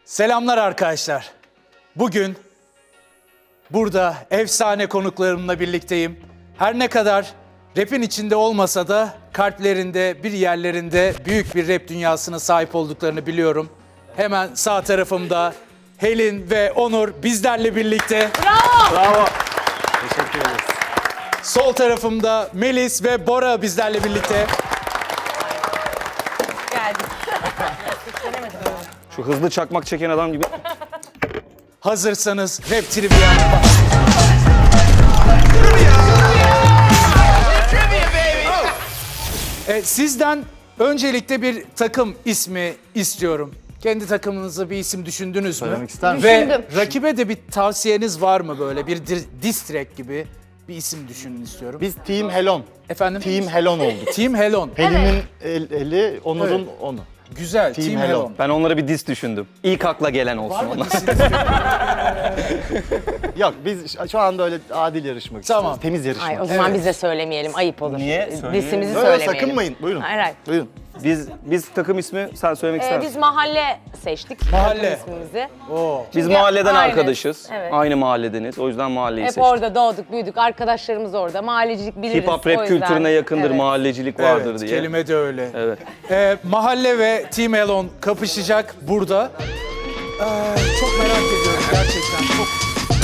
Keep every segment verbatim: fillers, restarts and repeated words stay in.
Selamlar arkadaşlar. Bugün burada efsane konuklarımla birlikteyim. Her ne kadar rap'in içinde olmasa da kalplerinde, bir yerlerinde büyük bir rap dünyasına sahip olduklarını biliyorum. Hemen sağ tarafımda Helin ve Onur bizlerle birlikte. Bravo. Bravo. Teşekkür ederiz. Sol tarafımda Melis ve Bora bizlerle birlikte. Geldik. Şu hızlı çakmak çeken adam gibi. Hazırsanız Rap Trivia. E, sizden öncelikle bir takım ismi istiyorum. Kendi takımınıza bir isim düşündünüz mü? Söylemek ister misin? Ve Düşündüm. rakibe de bir tavsiyeniz var mı böyle? Bir dir- diss track gibi bir isim düşünün istiyorum. Biz Team Helon. Efendim? Team Helon olduk. Team Helon. Pelin'in el- eli, Onur'un Evet. onu. Güzel. Team Team, Helon. Helon. Ben onlara bir diss düşündüm. İlk akla gelen olsun Var mı onlar. dissiniz? Yok biz ş- şu anda öyle adil yarışmak Tamam. istiyoruz. Temiz yarışmak. Ay o zaman Evet. biz de söylemeyelim. Ayıp olur. Niye? Söyleyelim. Disimizi Öyle söylemeyelim. sakınmayın. Buyurun. Hayır hayır. Buyurun. Biz biz takım ismi sen söylemek ister Ee, misin? biz mahalle seçtik. Mahalle. takım ismimizi. Oo. Biz Çünkü mahalleden aynı. arkadaşız. Evet. Aynı mahalledeniz. O yüzden mahalleyi Hep seçtik. orada doğduk, büyüdük. Arkadaşlarımız orada. Mahallecilik biliriz. Hip hop o rap yüzden. kültürüne yakındır, Evet. mahallecilik vardır Evet, diye. kelime de öyle. Evet. Ee, Mahalle ve Team Helon kapışacak burada. Ee, çok merak ediyorum gerçekten. Çok.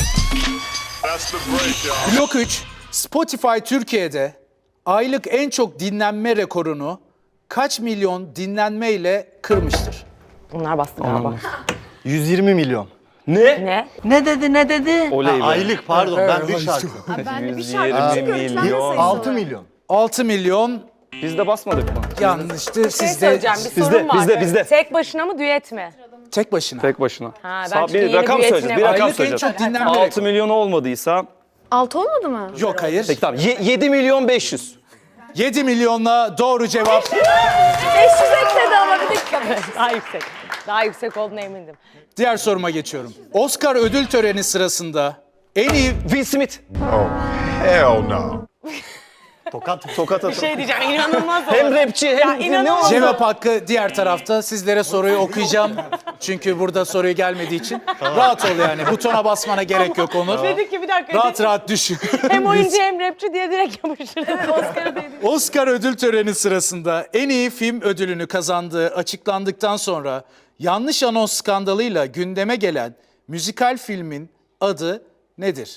Blok üç, Spotify Türkiye'de aylık en çok dinlenme rekorunu kaç milyon dinlenmeyle kırmıştır? Bunlar bastı galiba. yüz yirmi milyon. Ne? Ne? Ne dedi ne dedi? Oley be. Ha, aylık pardon ben bir şarkı. Ben de bir yüz şarkı yirmi çıkıyorum. Ben de milyon. sayısı altı var. milyon. altı milyon Biz de basmadık mı? yanlıştı. Bir şey Siz de söyleyeceğim. Bir Bizde, sorun var. bizde, bizde. Tek başına mı, düet mi? tek başına. Tek başına. Ha, ben Sağ- çünkü bir yeni rakam bir söyleyeceğiz. Bir yeteneğim rakam Aylık en söyleyeceğiz. çok dinlenme altı rekoru. milyon olmadıysa Altı olmadı mı? Yok hayır. peki tamam. Ye- yedi milyon beş yüz. yedi milyonla doğru cevap. beş yüz ekledi ama bir dakika. Daha yüksek. Daha yüksek olduğuna emindim. Diğer soruma geçiyorum. Oscar ödül töreni sırasında en iyi Will Smith. Hell no. Tokat. Tokat atın. Şey diyeceğim, inanılmaz oldu. Hem rapçi hem ne inanılmaz. oldu? cevap hakkı diğer tarafta. Sizlere soruyu okuyacağım. Çünkü burada soruyu gelmediği için. Rahat ol yani. Butona basmana gerek yok Onur. Dedi ki bir dakika. Rahat rahat düşün. Hem oyuncu hem rapçi diye direkt yapıştırdı. Oscar'ı dedi. Oscar ödül töreni sırasında en iyi film ödülünü kazandığı açıklandıktan sonra yanlış anons skandalıyla gündeme gelen müzikal filmin adı nedir?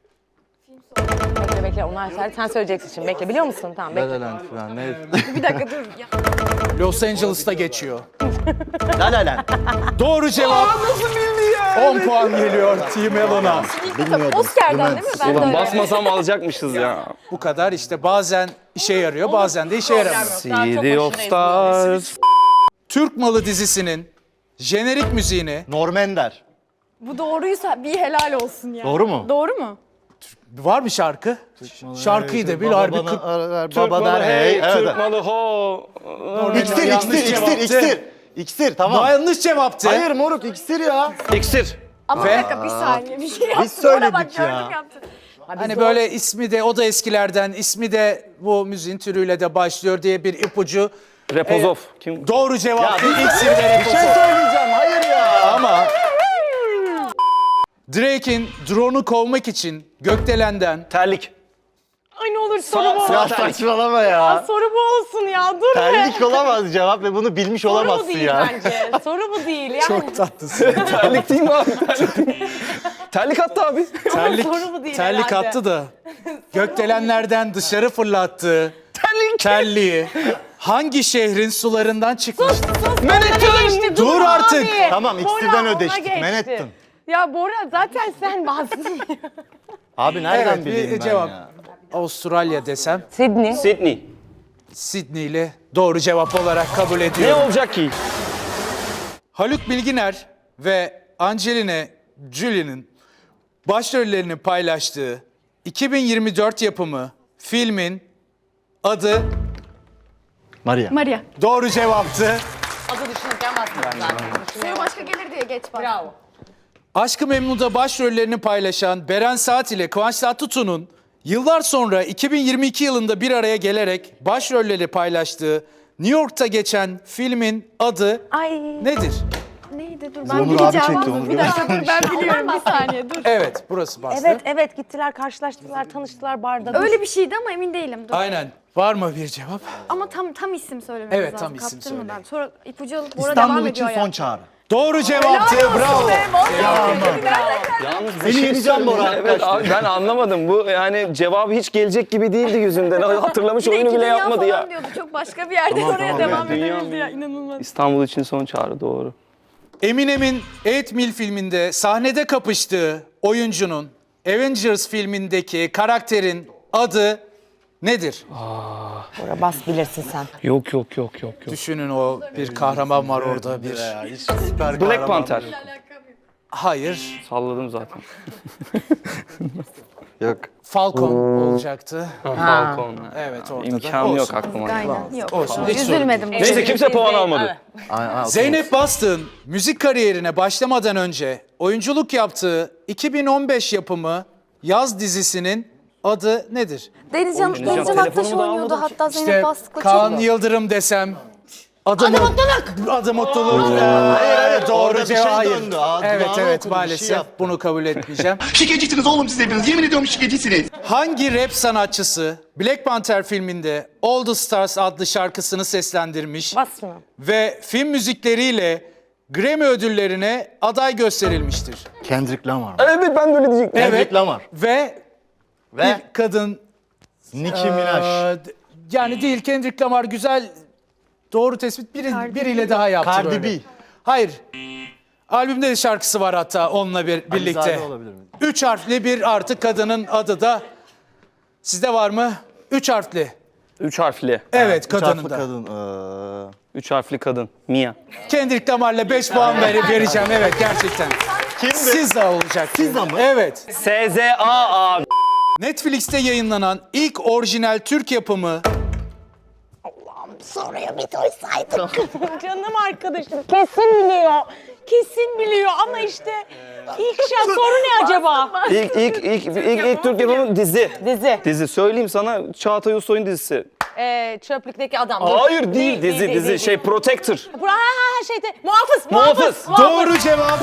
Bekle bekle, onlar sen, sen söyleyeceksin şimdi. Bekle, biliyor musun? Tamam bekle. La La Land falan ne? Bir dakika dur. Ya. Los Angeles'ta geçiyor. La La Land. Doğru cevap. on puan geliyor Team Helon'a. Bilmiyordum. Oscar'dan değil mi? Ben de Ulan öyle. basmasam alacakmışız ya. Bu kadar işte bazen işe yarıyor bazen de işe yaramıyor. City of Stars. Türk Malı dizisinin jenerik müziğini Normender. Bu doğruysa bir helal olsun ya. Doğru mu? Doğru mu? var bir şarkı. Şarkıyı da bil Baba harbi bana kırk- arar, Türk baba malı der hey, hey. Evet. Türk malı ho. İksir, Yanlış iksir, iksir, cevaptı. iksir. İksir tamam. Yanlış cevaptı. Hayır moruk iksir ya. İksir. Ama Ve- bir dakika bir saniye bir şey yaptı. söyledik Ona bak, ya. gördüm yaptı. Hani böyle ismi de o da eskilerden ismi de bu müziğin türüyle de başlıyor diye bir ipucu. Repozov. Kim? Doğru cevaptı. İksir ve Bir şey Repozov. söyleyeceğim hayır ya. Ama Drake'in drone'u kovmak için gökdelenden Terlik. Ay ne olur soru bu. Ya saçmalama ya. Soru bu olsun ya. Dur be. Terlik olamaz cevap ve bunu bilmiş Soru bu olamazsın değil ya. bence. Soru bu değil yani. çok tatlısın. Terlik değil mi abi? Terlik, değil mi? Terlik attı abi. terlik soru bu değil terlik herhalde. attı da gökdelenlerden dışarı fırlattığı terliği hangi şehrin sularından çıkmıştı? Geçti, Dur abi. artık. Tamam, Bora, ikisinden ona ödeştik, geçti. Manhattan. Ya Bora zaten sen bastın. Abi nereden Evet bileyim bir ben cevap. ya? Avustralya desem Sydney. Sydney. Sydney ile doğru cevap olarak kabul Ne ediyorum. olacak ki? Haluk Bilginer ve Angelina Jolie'nin başrollerini paylaştığı iki bin yirmi dört yapımı filmin adı Maria. Maria. doğru cevaptı. Adı düşünürken bastın zaten. Suyu başka gelir diye geç bak. Bravo. Aşk-ı Memnu'da başrollerini paylaşan Beren Saat ile Kıvanç Tatlıtuğ'un yıllar sonra iki bin yirmi iki yılında bir araya gelerek başrolleri paylaştığı New York'ta geçen filmin adı Ay. nedir? Ne? Neydi? Dur ben Onur abi bileceğim. çekti, Onur Bir abi. dakika dur ben biliyorum bir saniye dur. Evet, burası bastı. Evet evet gittiler karşılaştılar tanıştılar barda. Dur. Öyle bir şeydi ama emin değilim. Dur. Aynen. Var mı bir cevap? Ama tam tam isim söylememiz Evet, lazım. tam isim Kaptırmadan. söyleyin. Sonra ipucu alıp Bora devam İstanbul ediyor için ya. son çağrı. Doğru cevaptı. Bravo. Yalnız bir Seni şey yeneceğim Bora. söyleyeyim. Evet abi ben anlamadım. Bu yani cevabı hiç gelecek gibi değildi yüzünden. Hatırlamış Bir de oyunu iki bile dünya yapmadı falan ya. diyordu. Çok başka bir yerde Tamam, oraya tamam, devam evet, dünya edebildi ya. mı? İnanılmaz. İstanbul için son çağrı doğru. Eminem'in eight mil filminde sahnede kapıştığı oyuncunun Avengers filmindeki karakterin adı nedir? Bora bas bilirsin sen. Yok yok yok yok yok. Düşünün, o bir kahraman var orada bir. Ya, hiç süper Black kahraman Panther. yok. Hayır. Salladım zaten. Yok. Falcon olacaktı. Falcon. Evet, orada da. İmkanı yok Olsun. aklıma. Aynen. Yok. Olsun, hiç sorun Üzülmedim. Neyse kimse puan almadı. Ay, ay, Zeynep Bastık'ın müzik kariyerine başlamadan önce oyunculuk yaptığı iki bin on beş yapımı Yaz dizisinin adı nedir? Denizcan, Oynayacağım. Denizcan Aktaş Telefonumu da oynuyordu almadım ki. hatta Zeynep İşte Bastık'la Kaan çok. Yıldırım desem. Adı, mutluluk. Adı mutluluk. Hayır, hayır, Doğru orada bir cevap. şey Hayır. döndü. Aa, Evet dudağını evet okudu, bir şey maalesef yaptı. bunu kabul etmeyeceğim. Şikecisiniz oğlum siz hepiniz. Yemin ediyorum şikecisiniz. Hangi rap sanatçısı Black Panther filminde All the Stars adlı şarkısını seslendirmiş Bas mı? ve film müzikleriyle Grammy ödüllerine aday gösterilmiştir? Kendrick Lamar. Evet ben böyle diyecektim. Kendrick Lamar. Ve Ve bir kadın Nicki Minaj. Ee, d- yani değil, Kendrick Lamar güzel, doğru tespit. Biri, biriyle daha yaptı Cardi böyle. B. Hayır. Albümde de şarkısı var hatta onunla bir, birlikte. Alizade olabilir mi? Üç harfli bir artık kadının adı da. Sizde var mı? Üç harfli. Üç harfli. Evet, Üç kadının harfli da. kadın. Ee, Üç harfli kadın. Mia. Kendrick Lamar'la beş puan verip vereceğim. Evet, gerçekten. Kimdi? Sizza olacak. Sizza mı? Evet. S Z A abi. Netflix'te yayınlanan ilk orijinal Türk yapımı Soruya bir duysaydık. Canım arkadaşım kesin biliyor. Kesin biliyor ama işte ilk şey soru ne acaba? İlk ilk ilk ilk, ilk Türk yapımı dizi. Dizi. Dizi söyleyeyim sana, Çağatay Ulusoy'un dizisi. Ee, çöplükteki adam. Hayır değil, dizi dizi değil, şey Protector. Bura, ha ha şeyde muhafız Muhafız. muhafız. doğru cevap.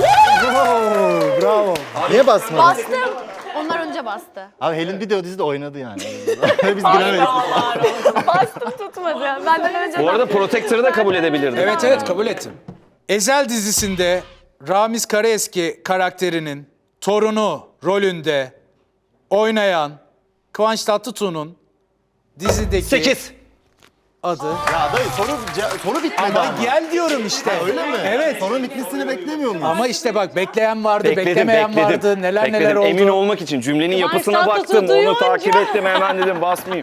Bravo, bravo. Niye basmadın? Bastım. Onlar önce bastı. Abi Helin video dizide oynadı yani. Biz bilemeyiz. Bastım tutmadı. Benden önce Bu arada Protector'ı da kabul edebilirdim. Evet evet, kabul ettim. Ezel dizisinde Ramiz Karaeski karakterinin torunu rolünde oynayan Kıvanç Tatlıtuğ'un dizideki Sekiz. adı. Ya dayı soru, ce- soru bitmedi Ama ama. gel diyorum işte. Öyle mi? Evet. Sorunun bitmesini beklemiyor muyuz? Ama işte bak, bekleyen vardı, Bekledim, beklemeyen bekledim. vardı, neler Bekledim. neler oldu. Emin olmak için cümlenin yapısına Tatlıtuğ baktım, onu duyunca. takip ettim, hemen dedim basmayayım.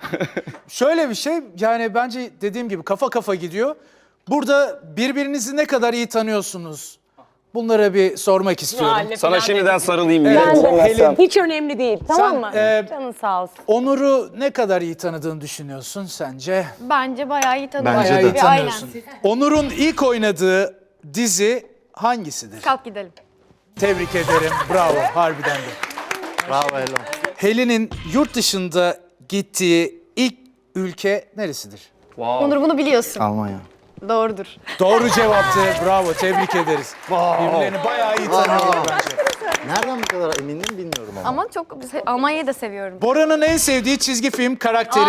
Şöyle bir şey, yani bence dediğim gibi kafa kafa gidiyor. Burada birbirinizi ne kadar iyi tanıyorsunuz? Bunlara bir sormak istiyorum. Sana şimdiden sarılayım. Evet, yine. Helin, Hiç önemli değil tamam Sen, mı? e, Canın sağ olsun. Onur'u ne kadar iyi tanıdığını düşünüyorsun sence? Bence bayağı iyi tanıyorum. Bence Bayağı de. iyi tanıyorsun. Onur'un ilk oynadığı dizi hangisidir? Kalk gidelim. Tebrik ederim. Bravo. Harbiden de. Bravo Helin. Helin'in yurt dışında gittiği ilk ülke neresidir? Onur bunu biliyorsun. Almanya. Doğrudur. Doğru cevaptı. Bravo. Tebrik ederiz. Birbirlerini bayağı iyi tanıyorlar bence. Nereden bu kadar eminim bilmiyorum ama. Ama çok Almanya'yı da seviyorum. Bora'nın en sevdiği çizgi film karakteri.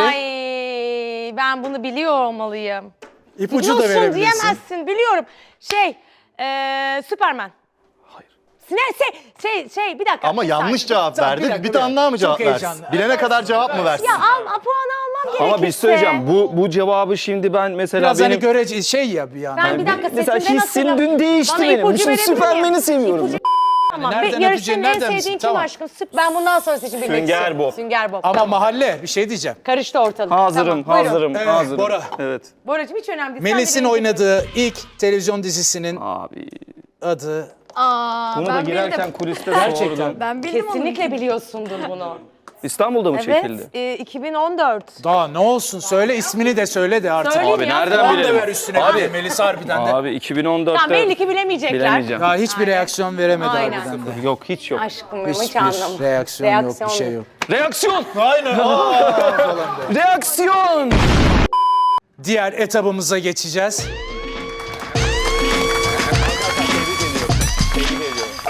Ay ben bunu biliyor olmalıyım. İpucu da Biliyorsun verebilirsin. diyemezsin biliyorum. Şey eee Süperman. Hayır. Ne şey şey şey bir dakika. Ama bir yanlış saniye. cevap Tamam, verdi. bir Bir, dakika, tane bir daha mı dakika. cevap Çok versin? heyecanlı. Bilene kadar cevap mı versin? Ya al puanı almam gerekirse. Ama bir şey söyleyeceğim, bu bu cevabı şimdi ben mesela Biraz benim... hani görece şey ya bir yandan. Ben bir dakika Mesela seçimden hissim hatırlam- dün değişti Bana benim. ipucu Şimdi verebilir miyim? Süpermen'i seviyorum. İpucu- Tamam. Nereden Bir yarışmanın öpeceğin, en nereden sevdiğin misin? kim Tamam. aşkım? Süp- Ben bundan sonra seçim bilmek Sünger istiyorum. Bob. Sünger Bob. Ama Tamam. mahalle bir şey diyeceğim. Karıştı ortalık. Hazırım, Tamam, buyurun. hazırım, Evet, hazırım. Bora. Evet. Boracığım hiç önemli değil. Melis'in Sen de benim- oynadığı ilk televizyon dizisinin Abi. adı. Aa, Bunu da ben girerken bildim. kuliste Gerçekten. sordum. Ben bildim Kesinlikle biliyorsundur bunu. İstanbul'da mı çekildi? Evet, e, iki bin on dört. Daha ne olsun, söyle ismini de söyle de artık. Söyleyeyim Abi ya. nereden Puan da bilelim? ver üstüne Abi, bir de Melis harbiden de. abi iki bin on dörtte... Tamam belli ki bilemeyecekler. Bilemeyeceğim. Daha hiçbir reaksiyon veremedi Aynen. harbiden de. Yok hiç yok. Aşkım benim hiç Hiçbir anlamadım. reaksiyon, yok, bir şey yok. Reaksiyon! Aynen. Reaksiyon! Diğer etabımıza geçeceğiz.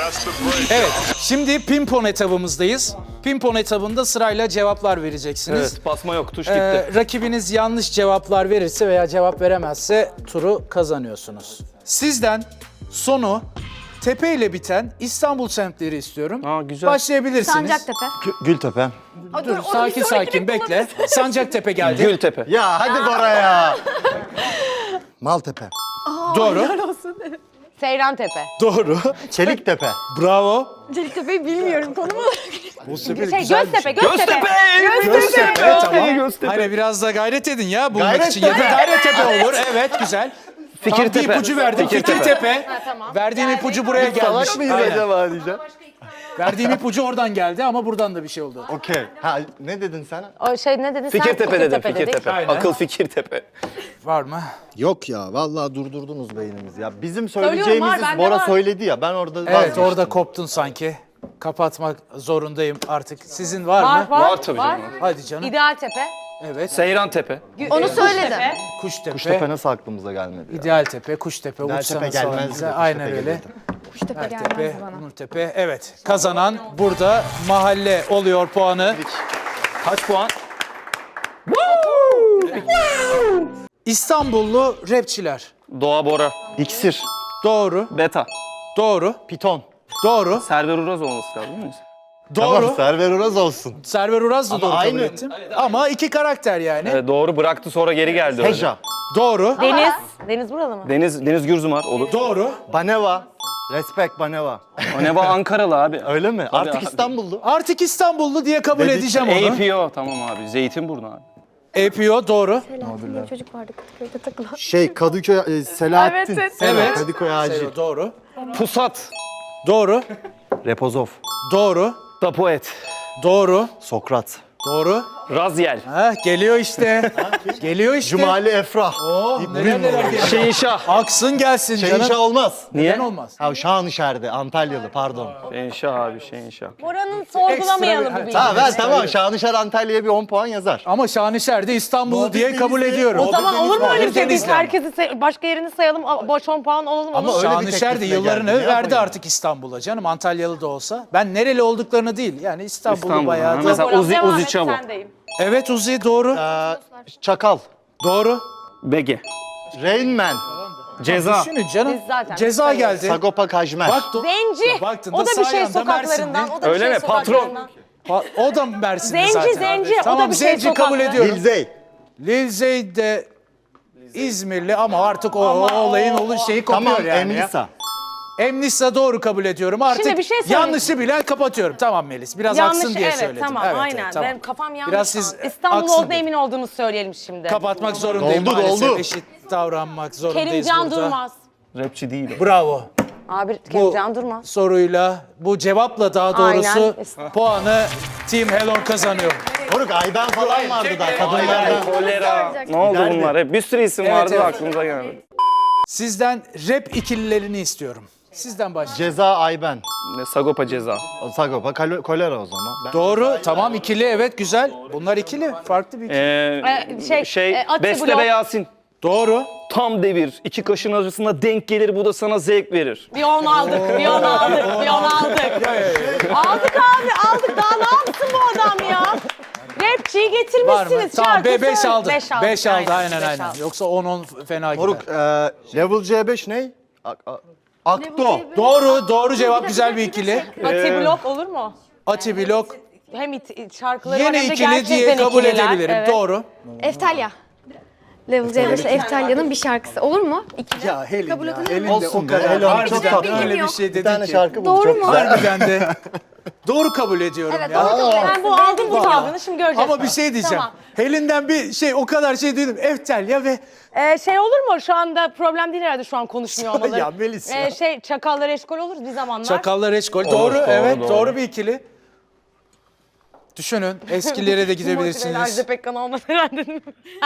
Evet, şimdi pimpon etabımızdayız. Pimpon etabında sırayla cevaplar vereceksiniz. Evet, basma yok, tuş gitti. Ee, rakibiniz yanlış cevaplar verirse veya cevap veremezse turu kazanıyorsunuz. Sizden sonu tepe ile biten İstanbul semtleri istiyorum. Aa, güzel. Başlayabilirsiniz. Sancaktepe. Gültepe. Dur, sakin sakin bekle. Sancaktepe geldi. Gültepe. Ya hadi Bora ya. Maltepe. Doğru. Seyrantepe. Doğru. Çeliktepe. Bravo. Celiktepe'yi bilmiyorum. Konumu. Boztepe Şey, güzel bir Göztepe, şey. Göztepe. Göztepe tamam. Göztepe. Hani biraz da gayret edin ya bulmak Gayret için. Ya da tepe. Gayrettepe olur. Evet güzel. Tam bir Fikirtepe. ipucu verdim. Fikirtepe. Fikirtepe. Verdiğim ipucu buraya gelmiş. Salak mıyız Aynen. acaba diyeceğim. Verdiğim ipucu oradan geldi ama buradan da bir şey oldu. Okey. Ha ne dedin sen? O şey ne dedin sen? Fikirtepe dedim, dedik. Fikirtepe. Aynen. Akıl Fikirtepe. Var mı? Yok ya vallahi durdurdunuz beynimizi ya. Bizim Söylüyorum, söyleyeceğimizi var, bende Bora var. söyledi ya. Ben orada Evet vazgeçtim. orada koptun sanki. Kapatmak zorundayım artık. Sizin var, Var, mı? var, Var tabii canım. Hadi canım. İdealtepe. Evet. Seyrantepe. Onu söyledim. Kuştepe. Kuştepe nasıl aklımıza gelmedi ya? İdealtepe, Kuştepe, İdealtepe uçsanız gelmezdi falan de bize. Kuştepe Aynen öyle. gelirdi. Kuştepe Ertepe, gelmez bana. Nurtepe. Evet. Kazanan burada mahalle oluyor puanı. Kaç puan? İstanbullu rapçiler. Doğa Bora. İksir. Doğru. Beta. Doğru. Piton. Doğru. Server Uraz olması lazım değil mi? Doğru. Tamam Server Uraz olsun. Server Uraz da Ama doğru kabul aynı. ettim. Ama iki karakter yani. Evet, doğru bıraktı sonra geri geldi öyle. Heja. Doğru. Deniz. Deniz buralı mı? Deniz, Deniz Gürzumar olur. Doğru. Baneva. Respect Baneva. O ne var Ankaralı abi. Öyle mi? Artık abi. İstanbullu. Artık İstanbullu diye kabul Dedik. edeceğim onu. A P O tamam abi. Zeytinburnu abi. A P O doğru. Selahattin diye bir çocuk vardı Kadıköy'de takılan. Şey Kadıköy e, Selahattin. Evet, evet. Evet. Kadıköy Acil. Doğru. Pusat. Doğru. Repozov. Doğru. Tapoet. Doğru. Sokrat. Doğru. Razyel. Ha, geliyor işte. geliyor işte. Cumali Efrah. Oh, neler neler geliyor. Şehinşah. Aksın gelsin Şehinşah canım. olmaz. Niye? Neden olmaz? Ha Şanışer'de Antalyalı pardon. Şehinşah abi Şehinşah. Oranın sorgulamayalım Ekstra bu bir- bilgiyi. Ha ver tamam Şanışer Antalya'ya bir on puan yazar. Ama Şanışer'de İstanbullu diye Muhabbet kabul Denizli. ediyorum. O zaman olur mu öyle bir şey? Biz Denizli. herkesi say- başka yerini sayalım, a- boş on puan olalım. Ama olur. öyle bir Şanışer de teklifle yıllarını geldi, ne verdi yapayım? artık İstanbul'a canım. Antalyalı da olsa. Ben nereli olduklarını değil. Yani İstanbul'u İstanbul, bayağı ha. da. Mesela Bora, Uzi- devam Uzi et, Çavo. sendeyim. Evet Uzi doğru. Ee, Çakal. Doğru. Bege. Rain Man. Ceza. Düşünün canım. Biz zaten Ceza sayıyoruz. geldi. Sagopa Kajmer. Bak, do- Zenci. Baktığında O da bir sağ şey yanda sokaklarından. Mersinli. O da bir Öyle şey mi? Patron. sokaklarından. Pa- O da Mersin'de Zenci, zaten. zenci. O da Tamam bir şey zenci kabul sokaklı. ediyorum. Lil Lil Zeyd de İzmirli ama artık o, o olayın olu şeyi kopuyor Tamam yani. ya. Emlisa. Emnisa doğru kabul ediyorum. Artık Şimdi bir şey söyleyeyim. yanlışı bilen kapatıyorum. Tamam Melis. Biraz Yanlış, aksın diye evet, söyledim. tamam, Evet, aynen. evet, tamam. Benim kafam yanlış. Biraz şu an. siz İstanbul aksın olduğuna dedim. emin olduğunu söyleyelim şimdi. Kapatmak zorundayım Doldu, maalesef. doldu. Eşit davranmak zorundayız Kerimcan burada. Durmaz. Rapçi değil. Bravo. Abi Bu Kerimcan Durmaz. soruyla, bu cevapla daha doğrusu Aynen. puanı Team Helon kazanıyor. Moruk Ayben falan vardı da kadınlardan. Kolera. Ne oldu Giderdi. bunlar? Hep bir sürü isim Evet, vardı da evet. aklımıza gelmedi. Sizden rap ikililerini istiyorum. Sizden başlayalım. Ceza Ayben. Ne Sagopa Ceza. O Sagopa kalo- kolera o zaman. Ben- Doğru. Tamam ikili evet güzel. Bunlar ikili. Farklı bir ikili. Ee, Ee, şey, şey e, Ati Beste Blok. ve Yasin. Doğru. Tam devir. İki kaşın arasında denk gelir bu da sana zevk verir. Bir on aldık, bir on aldık, bir on aldık. Aldık abi, aldık. Daha ne yapsın bu adam ya? Rapçiyi Var mı? getirmişsiniz. Tamam şarkı be beş söyle. aldı. Beş aldık. beş aldı aynen beş aynen. aldık. Yoksa on on fena gider. Moruk e, Level C beş ne? A- a- Akto. Doğru, doğru cevap güzel bir ikili. Ati Blok olur mu? Ati Blok Hem it, şarkıları var yeni hem de ikili gerçekten diye kabul ikililer. edebilirim. Evet. Doğru. Eftalya. Level C beş'te Eftalya'nın bir şarkısı. Olur mu? İkili. Ya Helin Kabul ya. edilir mi? Elin de Olsun o be, kadar. Helin çok Harbiden tatlı. öyle bir Yok. şey Bir dedin tane ki. şarkı buldu Doğru çok mu? güzel. Harbiden de. Doğru kabul ediyorum Evet, ya. doğru kabul ederim. Ben bu aldım bu tavrını şimdi göreceğiz. Ama bir şey diyeceğim. Tamam. Helin'den bir şey o kadar şey duydum. Eftelya ve Ee, şey olur mu? Şu anda problem değil herhalde şu an konuşmuyor olmaları. Ya Melis ya. Ee, şey çakallar eşkol oluruz bir zamanlar. Çakallar Eşkol. Doğru, doğru, evet doğru. doğru. bir ikili. Düşünün eskilere de Motiveyle gidebilirsiniz. Ajda Pekkan olmaz herhalde.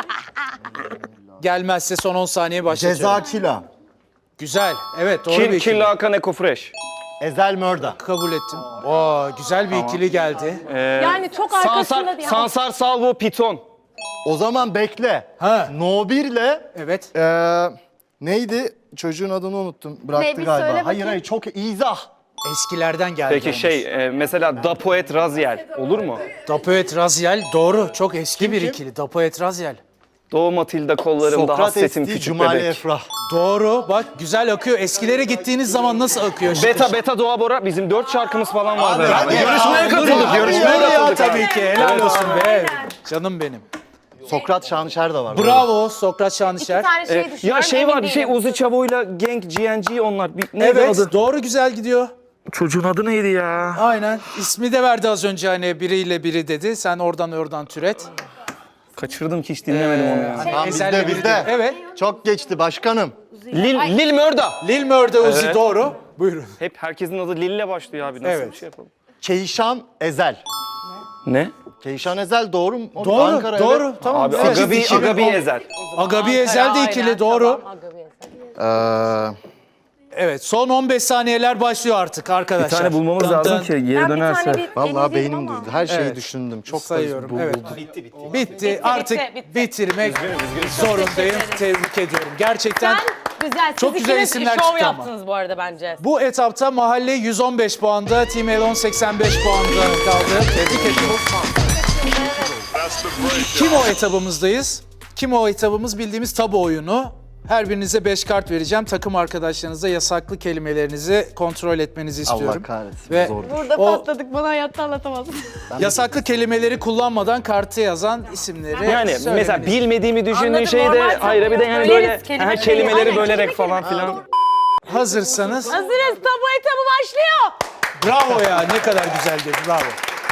Gelmezse son on saniye başlatıyorum. Ceza Kila. Güzel. Evet doğru bir Kil, ikili. Killa Hakan Eko Fresh. Ezel Mörda. Kabul ettim. Oo, güzel bir ikili geldi. Yani çok arkasında Sansar, diye. Sansar Salvo Piton. O zaman bekle. Ha. No bir'le Evet. eee neydi? Çocuğun adını unuttum. Bıraktı Ne, bir galiba. söyle Hayır bakayım. hayır çok izah. Eskilerden geldi. Peki olmuş. şey e, mesela Dapoet Raziel olur mu? Dapoet Raziel doğru. Çok eski bir ikili. Dapoet Raziel. Doğu Matilda kollarımda Sokrates hasretim değil, küçük Cumali bebek. Efrah. Doğru. Bak güzel akıyor. Eskilere gittiğiniz zaman nasıl akıyor? Şıkır Beta şıkır. Beta Doğa Bora bizim dört şarkımız falan vardı. Abi, herhalde. hadi ya. Yarışmaya Abi, katıldık. dur ya. Yarışmaya Ya katıldık. tabii ki. Helal Evet. olsun be. Canım benim. Sokrat Şanışer de var. Bravo Sokrat İki Şanışer. tane şey E, düşünüyorum. ya şey emin var bir şey değilim. Uzi Çavo'yla Genk G N G onlar. Bir, neydi Evet adı? doğru güzel gidiyor. Çocuğun adı neydi ya? Aynen. İsmi de verdi az önce hani biriyle biri dedi. Sen oradan oradan türet. Kaçırdım ki hiç dinlemedim onu ya. Hani Tamam, Ezel'le bizde, biri bizde. dedi. Evet. Çok geçti başkanım. Lil, Lil Mörda. Lil Mörde Uzi Evet. doğru. Buyurun. Hep herkesin adı Lil'le başlıyor abi. Nasıl Evet. bir şey yapalım? Keyşan Ezel. Ne? Keyşan Ezel doğru mu? O Doğru. Ankara, doğru. evet. Tamam. Abi evet. Agabi, iki bin on. Agabi Ezel. Agabi Ezel de ikili Aynen, doğru. tamam, Agabi Ezel. Ee, Evet son on beş saniyeler başlıyor artık arkadaşlar. Bir tane bulmamız Dın lazım dın. ki geri Ben bir dönerse. tane bir vallahi deneyeyim beynim ama. durdu. Her şeyi Evet. düşündüm. Çok Sayıyorum. da Evet. bitti, Bitti. Artık bitti, bitti. bitirmek zorundayım. Tebrik ediyorum. Gerçekten Sen güzel. Siz Çok güzel ikiniz isimler şov çıktı ama. yaptınız bu arada bence. bu etapta Mahalle yüz on beş puanda, Team Elon seksen beş puanda kaldı. Tebrik ediyorum. Kim o etabımızdayız? Kim o etabımız bildiğimiz tabu oyunu. Her birinize beş kart vereceğim. Takım arkadaşlarınıza yasaklı kelimelerinizi kontrol etmenizi istiyorum. Allah kahretsin. Ve Zor. Burada o patladık. Bana hayatta anlatamazsın. yasaklı kelimeleri kullanmadan kartı yazan isimleri Yani mesela söylemeniz. bilmediğimi düşündüğün Anladım, şeyi de normal hayır bir de yani tabii. böyle Böleriz, kelime her kelime. kelimeleri Aynen, bölerek kelime falan kelime. filan. Hazırsanız Hazırız. Tabu etabı başlıyor. bravo ya ne kadar güzel dedi bravo.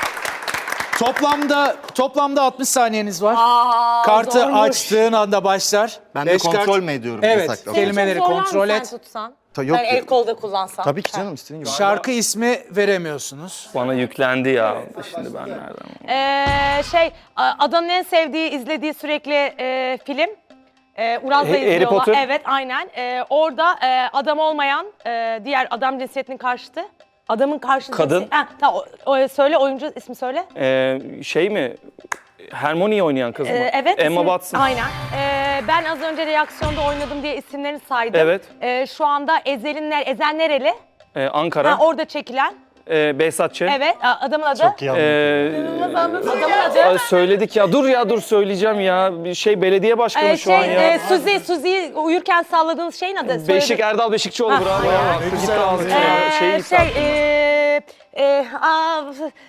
Toplamda toplamda altmış saniyeniz var. Aa, Kartı zormuş. açtığın anda başlar. Ben de Beş kontrol kart- mü ediyorum Evet. yasaklı? Kelimeleri Çok zorlar mı kontrol sen et. tutsan? Ta- yok ben ya. el kolda kullansam. Tabii ki canım istediğin gibi. Şarkı ismi veremiyorsunuz. Bana yüklendi ya. Şimdi ben nereden? Ee, şey, Adan'ın en sevdiği, izlediği sürekli e, film. E, Uraz'la Harry izliyorlar. Potter. Evet, aynen. E, orada e, adam olmayan, e, diğer adam cinsiyetinin karşıtı. Adamın karşıtı. Kadın. cinsi- Ha, tamam, o, o- söyle, oyuncu ismi söyle. Ee, şey mi? Hermione'yi oynayan kız mı? Ee, evet. Emma isim- Watson. Aynen. Ee, ben az önce reaksiyonda oynadım diye isimlerini saydım. Evet. Ee, şu anda Ezel'in ner- Ezel nereli? Ee, Ankara. Ha, orada çekilen. Ee, Behzat Ç. Evet. a- Adamın adı. Çok iyi anladım. Ee, Adamın adı. Aa, söyledik ya. Dur ya dur söyleyeceğim ya. Bir şey belediye başkanı Ee, şu an şey, ya. e, Suzi, Suzi'yi uyurken salladığınız şeyin adı. Beşik Söyledim. Erdal Beşikçioğlu Ha, bravo aynen. ya. Gitti ağzına ya. Ee, Şey, şey, e, e, aa,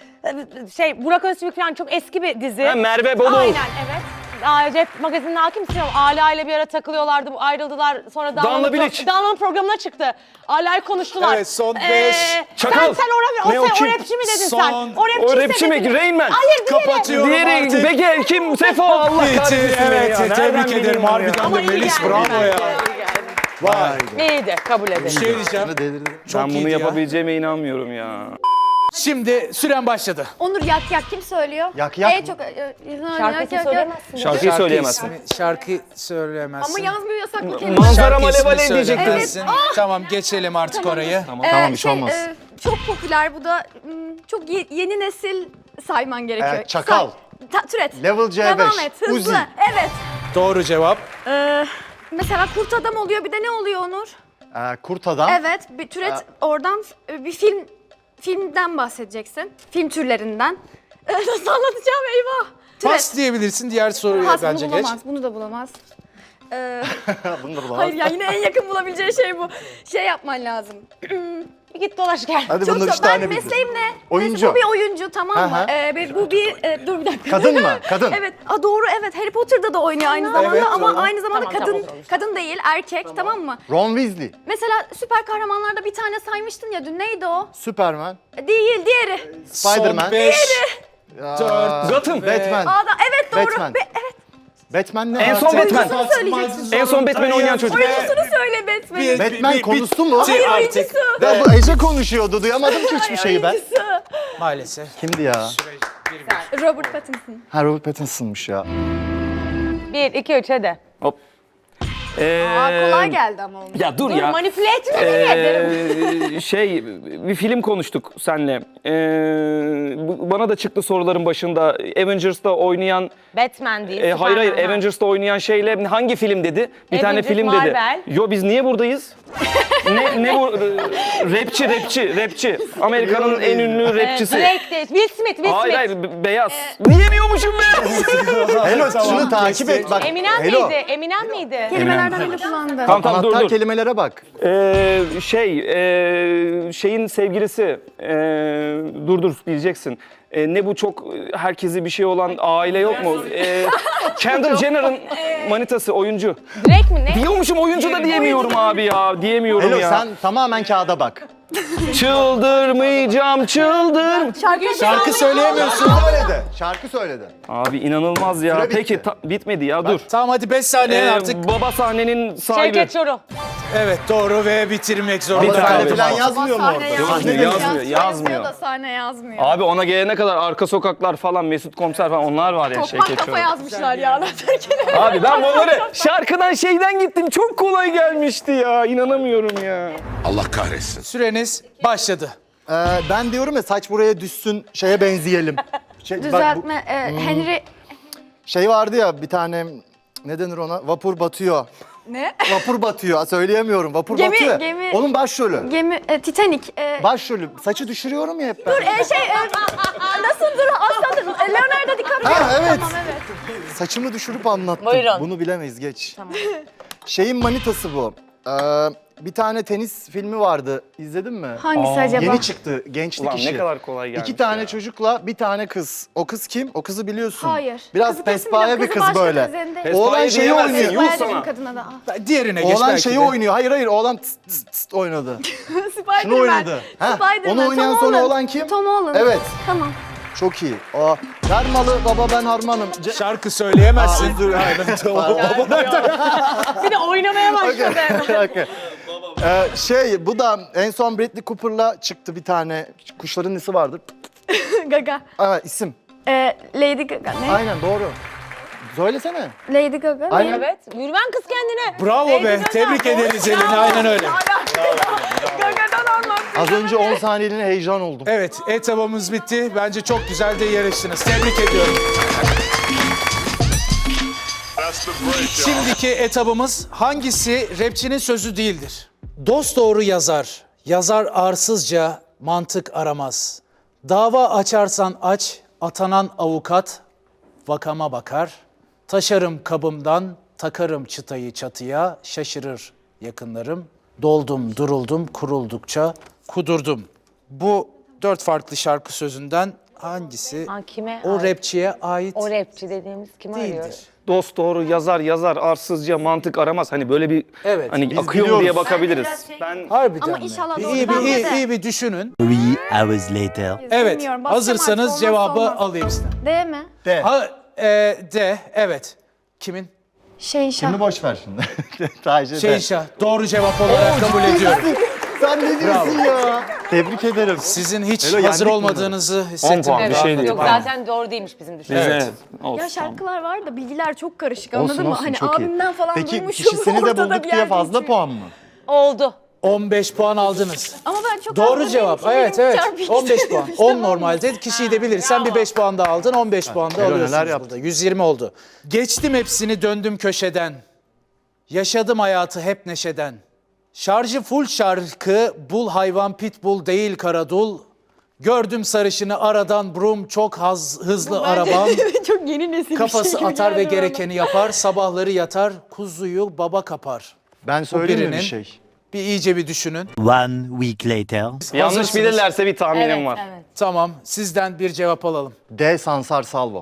şey, Burak Öztürk falan çok eski bir dizi. Ha, Merve Bolu. Aynen, evet. Aa, Cep magazinine hakimsin ama Ala ile bir ara takılıyorlardı, bu ayrıldılar. Sonra Danla Danla'nın Bilic. pro- Danla'nın programına çıktı. Ala'yı konuştular. Evet, son Ee, beş. Çakal. Sen, sen o, o, Ne o, sen, o kim? rapçi mi dedin Son- sen? O rapçi, O rapçi mi? Rain Man. Hayır, diğeri. Kapatıyorum Diğeri artık. Bege kim? Sefo Allah Bitti. kahretsin beni Evet ya. Nereden tebrik bileyim ederim onu ya? harbiden Ama de iyi Melis geldi. bravo ya. Vay. İyiydi, kabul edelim. Bir şey diyeceğim. Delirdim. Çok Ben bunu iyiydi ya. yapabileceğime inanmıyorum ya. Şimdi süren başladı. Onur yak yak kim söylüyor? Yak yak En mı? çok... e, e, Şarkıyı yak, yak, yak. söyleyemezsin. Şarkıyı söyleyemezsin. ismi- şarkı söyleyemezsin. Ama yazmıyor yasaklı kelime. Manzara Şarkı ismi malev alev diyecektin. söyleyemezsin. Tamam geçelim artık orayı. Tamam, bir şey olmaz. e, çok popüler bu da m, çok ye- yeni nesil sayman gerekiyor. Ee, Çakal. Say- Ta- türet. Level C beş. Devam et hızlı. Uzi. Evet. Doğru cevap. Ee, mesela kurt adam oluyor bir de ne oluyor Onur? Ee, kurt adam. Evet bir türet oradan e, bir film filmden bahsedeceksin. Film türlerinden. Ee, Nasıl anlatacağım eyvah. Pas diyebilirsin diğer soruya Has, bence bunu geç. bulamaz, bunu da bulamaz. Ee, Bunu da bulamaz. hayır ya yine en yakın bulabileceği şey bu. Şey yapman lazım. Bir git dolaş gel. Hadi Çok bunlar zor. üç tane Ben bildim. mesleğim ne? Oyuncu. Mesela bu bir oyuncu tamam Hı mı? hı. Ee, bir- bu bir e, dur bir dakika. Kadın mı? Kadın. Evet. Aa, doğru evet. Harry Potter'da da oynuyor aynı zamanda Evet, ama doğru. aynı zamanda Tamam, kadın tamam, kadın değil erkek tamam, mı? Ron Weasley. Mesela süper kahramanlarda bir tane saymıştın ya dün neydi o? Superman. Değil diğeri. Spider-Man. Son beş, Aa, dört, Gotham. Batman. Aa, da, evet doğru. Batman. Be- evet. Batman ne? En son Artık? Batman. Oyuncusunu söyleyeceksin. En son Batman oynayan çocuk. Oyuncusunu söyle Batman'in. Bir- Batman bir- konusu mu? bitti Hayır artık. oyuncusu. Ya bu Ece konuşuyordu. Duyamadım ki hiçbir şeyi ben. Oyuncusu. Maalesef. Kimdi ya? Robert Pattinson. Ha Robert Pattinson'mış ya. Bir, iki, üç hadi. Hop. Ee, Aa, kolay geldi ama onun. Ya dur, Dur ya. manipüle etme beni ederim. Ee, şey bir film konuştuk seninle. Ee, bu- bana da çıktı soruların başında. Avengers'ta oynayan Batman değil. e, hayır hayır Superman. Avengers'ta oynayan şeyle hangi film dedi? Bir tane Avengers, film Marvel. dedi. Yo biz niye buradayız? ne ne bu rapçi rapçi rapçi. Amerika'nın en ünlü Ee, rapçisi. Drake değil. Will Smith, Will Hayır Smith. hayır be- beyaz. Diyemiyormuşum be. Hello şunu takip et bak. Eminem Hello. miydi? Eminem miydi? Kelimelerden bile kullandı. Tamam tamam dur Anahtar dur. kelimelere bak. Ee, şey e, şeyin sevgilisi e, dur dur diyeceksin. E, ne bu çok e, herkesi bir şey olan aile yok mu? E, Kendall Jenner'ın manitası oyuncu. Drake mi ne? Diyormuşum oyuncu da diyemiyorum abi ya. Diyemiyorum Hello ya. sen tamamen kağıda bak. Çıldırmayacağım çıldır. Şarkı, Şarkı söyleyemiyorsun. Şarkı söyledi. Şarkı söyledi. Abi inanılmaz ya. Süre bitti. Peki ta- bitmedi ya dur. Tamam hadi beş saniye Ee, artık. Baba sahnenin sahibi. Şevket Çoruh. Evet doğru ve bitirmek Ama zorunda Bir sahne abi. falan yazmıyor mu orada? Yazmıyor, Sahne yazmıyor, yazmıyor. yazmıyor. da sahne yazmıyor. Abi ona gelene kadar arka sokaklar falan Mesut Komiser falan onlar var ya Tokmak Şevket kafa Çoruh. yazmışlar ya. Abi ben bunları şarkıdan şeyden gittim. Çok kolay gelmişti ya. İnanamıyorum ya. Allah kahretsin. Süreniz başladı. Ee, ben diyorum ya saç buraya düşsün şeye benzeyelim. Şey, bak bu- Düzeltme. e, Henry... şey vardı ya bir tane ne denir ona? Vapur batıyor. Ne? Vapur batıyor. Söyleyemiyorum. Vapur Gemi- batıyor. gemi- Onun başrolü. Gemi... E, Titanic. E, Başrolü. Saçı düşürüyorum ya hep ben. Dur e, şey... E, nasıldır? Aslandır. E, Leonardo DiCaprio. Ha, evet. Tamam evet. Saçımı düşürüp anlattım. Buyurun. Bunu bilemeyiz geç. Şeyin manitası bu. Ee, bir tane tenis filmi vardı. İzledin mi? Hangisi acaba? Yeni çıktı. Gençlik Ulan işi. ne kadar kolay gelmiş İki tane ya. çocukla bir tane kız. O kız kim? O kızı biliyorsun. Hayır. Biraz Kızı kesin pespaya biliyorum. bir Kızı kız başka böyle. kız elinde. Pespaya Oğlan şeyi diyemezsin, oynuyor. yuh Yuh sana. kadına da. Ah. Diğerine geç Oğlan belki şeyi de. oynuyor. Hayır hayır oğlan tıs tıs tıs oynadı. Spider-Man. Şunu oynadı. Ha, Spider-Man. onu oynayan Tom sonra Holland. olan kim? Tom Holland. Evet. Tamam. Çok iyi. Aa, ver malı baba ben harmanım. Ce- Şarkı söyleyemezsin. Aa, dur. Aynen, tamam. Bir de oynamaya başladı. Okey. Ee, şey bu da en son Bradley Cooper'la çıktı bir tane. Kuşların nesi vardır? Gaga. Aa, isim. E, Lady Gaga. Ne? Aynen doğru. Söylesene. Lady Gaga. Aynen. Ne? Evet. Yürüven kız kendine. Bravo Lady be. Gaga. Tebrik ederiz Elin. Aynen öyle. Gaga'dan anlattı. Az önce on saniyeliğine heyecan oldum. Evet etabımız bitti. Bence çok güzel de yarıştınız. Tebrik ediyorum. Şimdiki etabımız hangisi rapçinin sözü değildir? Dosdoğru yazar, yazar arsızca mantık aramaz. Dava açarsan aç, atanan avukat vakama bakar. Taşarım kabımdan, takarım çıtayı çatıya, şaşırır yakınlarım. Doldum, duruldum, kuruldukça kudurdum. Bu dört farklı şarkı sözünden hangisi Ha, kime o ait? rapçiye ait O rapçi dediğimiz kimi değildir? arıyoruz? Dost doğru yazar yazar arsızca mantık aramaz. Hani böyle bir Evet, hani biz akıyor mu diye biliyoruz. bakabiliriz. Ben Harbiden Ama mi? inşallah Bir doğru. iyi, bir, Bence iyi, de. iyi bir düşünün. Three hours later. Evet, Bilmiyorum, basacağım hazırsanız artık, cevabı olmazsa olmaz. alayım sizden. D mi? De. Ha, e, de, evet. Kimin? Şehinşah. Şimdi boş ver şimdi. Sadece de. Şehinşah. Doğru cevap olarak kabul ediyorum. Sen ne diyorsun ya? Tebrik ederim. Sizin hiç Hello, hazır yendik olmadığınızı on hissettim. puan bir Evet. şey değil. Yok zaten doğru değilmiş bizim düşüncemiz. Evet. Olsun, Ya tamam. şarkılar var da bilgiler çok karışık Olsun, anladın mı? olsun, Hani çok iyi. abimden falan Peki duymuşum. kişisini de ortada bulduk bir diye yerde fazla geçiyor. puan mı? Oldu. on beş puan aldınız. Ama ben çok Doğru az cevap. bildiğim Evet için evet. çarpı iki on beş puan. söylemiştim on ama. normalde. Kişiyi de bilirsen bir beş puan daha aldın. on beş puan da Helal, neler alıyorsunuz yaptın. burada. yüz yirmi oldu. Geçtim hepsini döndüm köşeden. Yaşadım hayatı hep neşeden. Şarjı full şarkı, bul hayvan pitbull değil karadul. Gördüm sarışını aradan brum çok haz, hızlı arabam. Çok yeni nesil bir Kafası şey gibi atar ve geldi bana. gerekeni yapar. Sabahları yatar, kuzuyu baba kapar. Ben söyleyeyim mi bir birinin. şey? Bir iyice bir düşünün. One week later. Yanlış Hazırsınız. bilirlerse bir tahminim Evet, var. evet. Tamam, sizden bir cevap alalım. D Sansar Salvo.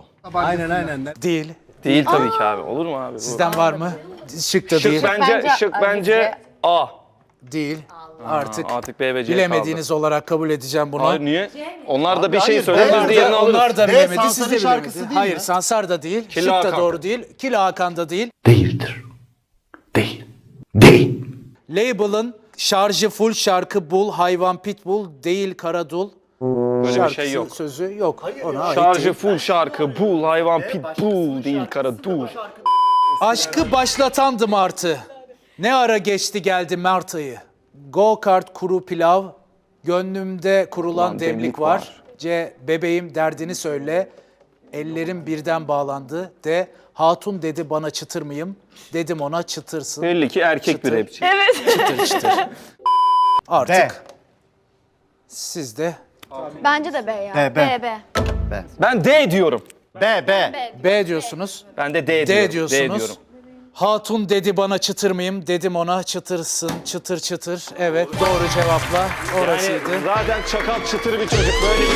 Değil. Değil tabii ki abi. Olur mu abi? Bu? Sizden var mı? Şık da Şık değil. bence, Bence şık A, bence bize- A. Değil. Artık Artık B ve C bilemediğiniz olarak kabul edeceğim bunu. kaldı. Hayır niye? Onlar da bir şey hayır, söyler B- biz diğerini alırız. Onlar da D bilemedi, siz Sansar'ın de şarkısı bilemedi. değil Hayır, mi? Sansar da değil, Killa Şık da Hakan. doğru değil, Killa Hakan da değil. Değildir. Değil. Değil. Label'ın şarjı full şarkı bul, hayvan pitbull değil karadul. Böyle bir Şarkısı, şey yok. sözü yok. Ona ait Şarjı değil. full şarkı, bul hayvan pitbull değil kara dur. Aşkı başlatandım artı. Ne ara geçti geldi Mart ayı. Go kart kuru pilav. Gönlümde kurulan Ulan demlik, demlik var. var. C. Bebeğim derdini söyle. Ellerim birden bağlandı. D. Hatun dedi bana çıtır mıyım? Dedim ona çıtırsın. Belli ki erkek bir Çıtır. rapçi. Çıtır çıtır. Artık siz de Bence de B ya. B, B. B, B. Ben D diyorum. B, B. B diyorsunuz. Ben de D, D diyorum. D diyorsunuz. diyorum. Hatun dedi bana çıtır mıyım? Dedim ona çıtırsın, çıtır çıtır. Evet, doğru cevapla orasıydı. Yani zaten çakal çıtır bir çocuk böyle.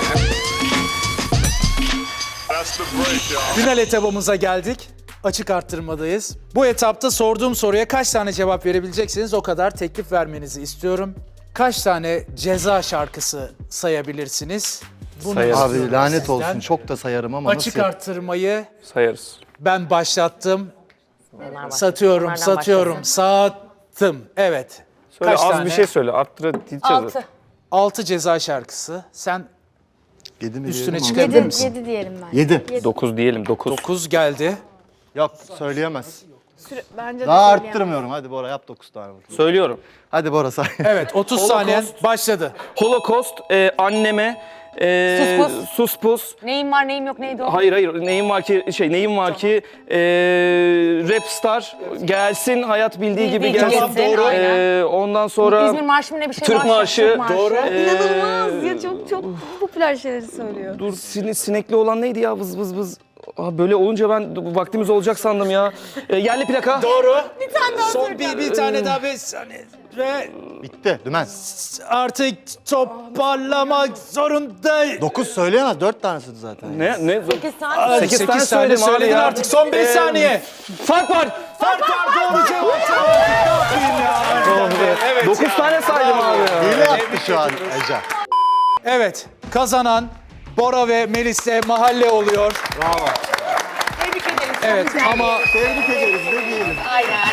Final etabımıza geldik. Açık arttırmadayız. Bu etapta sorduğum soruya kaç tane cevap verebileceksiniz o kadar teklif vermenizi istiyorum. Kaç tane ceza şarkısı sayabilirsiniz? Bunu Sayarız. istiyorum Abi lanet sizden. olsun. Çok da sayarım ama Açık nasıl? arttırmayı Sayarız. ben başlattım. Bunlar başlasın, Satıyorum, bunlardan satıyorum, başlasın. sattım. Evet. Söyle Kaç az tane? bir şey söyle. Arttıra diyeceğiz. Altı. Altı ceza şarkısı. Sen Yedi mi Üstüne diyelim ama? çıkabilir Yedi, misin? yedi diyelim ben. Yedi. dokuz diyelim dokuz. dokuz geldi. Yok söyleyemez. Süre- Bence Daha de söyleyemem. arttırmıyorum. Hadi Bora yap dokuz tane. Söylüyorum. Hadi Bora say. Evet, otuz saniyen başladı. Holocaust, e, anneme, e, Sus pus. sus pus. Neyim var neyim yok neydi o? Hayır hayır neyim var ki şey neyim var ki e, rap star gelsin hayat bildiği gibi Bildiği gelsin. gibi gelsin, aynen. E, ondan sonra İzmir Marşı mı ne bir şey Türk var. Marşı. Türk Marşı. Doğru. İnanılmaz ya çok çok popüler şeyleri söylüyor. Dur sine, sinekli olan neydi ya vız vız vız. Aa, böyle olunca ben vaktimiz olacak sandım ya. E, yerli plaka. Doğru. Bir tane daha Son bir, bir tane daha beş saniye. Ve Bitti. Dümen. artık toparlamak zorundayım. Dokuz söyleyemez. Dört tanesiydi zaten. Ne ne? Sekiz tane. Sekiz sekiz tane tane söyledim abi söyledin ya. artık. Son beş Ee, saniye. Fark var. Fark var doğru cevap. Ne yapayım ya? Evet Dokuz ya. tane saydım abi ya. Hile yaptı şu an Ece. Evet, kazanan Bora ve Melis'e mahalle oluyor. Bravo. Tebrik ederim. Evet ama Tebrik ederiz. Ne diyelim. Aynen.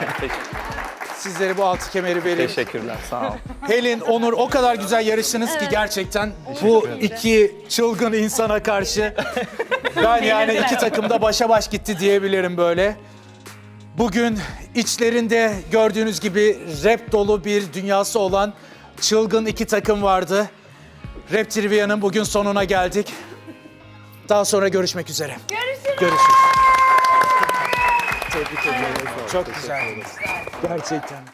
sizlere bu altı kemeri vereyim. Teşekkürler sağ ol. Helin, Onur o kadar güzel yarıştınız ki gerçekten bu iki çılgın insana karşı ben yani iki takım da başa baş gitti diyebilirim böyle. Bugün içlerinde gördüğünüz gibi rap dolu bir dünyası olan çılgın iki takım vardı. Rap Trivia'nın bugün sonuna geldik. Daha sonra görüşmek üzere. Görüşürüz. Görüşürüz. Tebrik ederim. Çok güzel. Gerçekten.